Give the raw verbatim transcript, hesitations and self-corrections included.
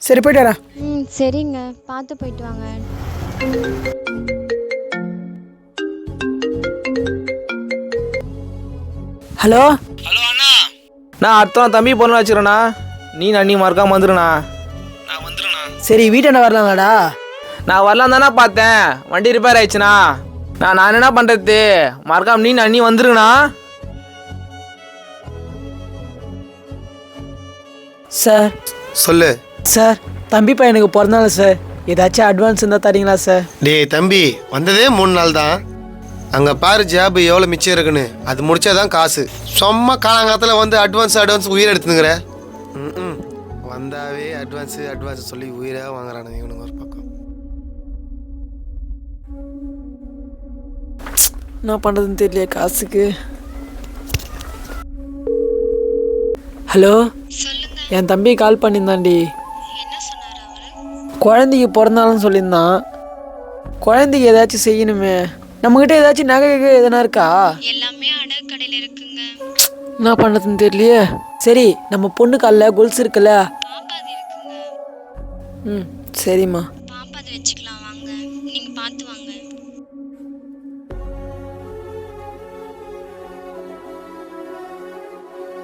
சரி போயிட்டு வரேன். ம் சரிங்க, பார்த்து போயிட்டு வாங்க. ஹலோ ஹலோ அண்ணா, நான் அடுத்த தம்பி பொண்ணு வச்சுக்கிறேண்ணா. நீ அண்ணி மறக்காம வந்துடுண்ணா. நான் வந்துடுண்ணா. சரி வீட்டாண்ட வரலாங்களாடா? நான் வரலாம் தானே பார்த்தேன், வண்டி ரிப்பேர் ஆயிடுச்சுண்ணா. நான் நான் என்ன பண்ணுறது, மறக்காம நீ அண்ணி வந்துருங்கண்ணா. சார் சொல்லு. சார் தம்பி பையனுக்கு பிறந்தநாள் சார், ஏதாச்சும் அட்வான்ஸ் இருந்தால் தரீங்களா சார்? டேய் தம்பி, வந்ததே மூணு நாள் தான். அங்கே பாரு ஜாப் எவ்வளோ மிச்சம் இருக்குன்னு, அது முடிச்சாதான் காசு. சும்மா காலங்காலத்தில் வந்து அட்வான்ஸ் அட்வான்ஸ் உயிரை எடுத்துனுங்கிற. ம் வந்தாவே அட்வான்ஸு அட்வான்ஸ் சொல்லி உயிராக வாங்குறானுங்க இவனுங்க ஒரு பக்கம். என்ன பண்ணுறதுன்னு தெரியல காசுக்கு. ஹலோ, என் தம்பி கால் பண்ணியிருந்தான்டி. குழந்தைக்கு பிறந்தாலும் சொல்லியிருந்தான். குழந்தைக்கு ஏதாச்சும் செய்யணுமே. நம்மகிட்ட ஏதாச்சும் நகை எதனா இருக்கா? எல்லாமே அடகு கடையில் இருக்குங்க. என்ன பண்ணுறதுன்னு தெரியலையே. சரி நம்ம பொண்ணு காலில் கொலுசு இருக்குல்ல? பாப்பாது இருக்குங்க. ம் சரிம்மா. பாப்பாது வச்சுக்கலாம் வாங்க, நீங்கள் பார்த்து வாங்க.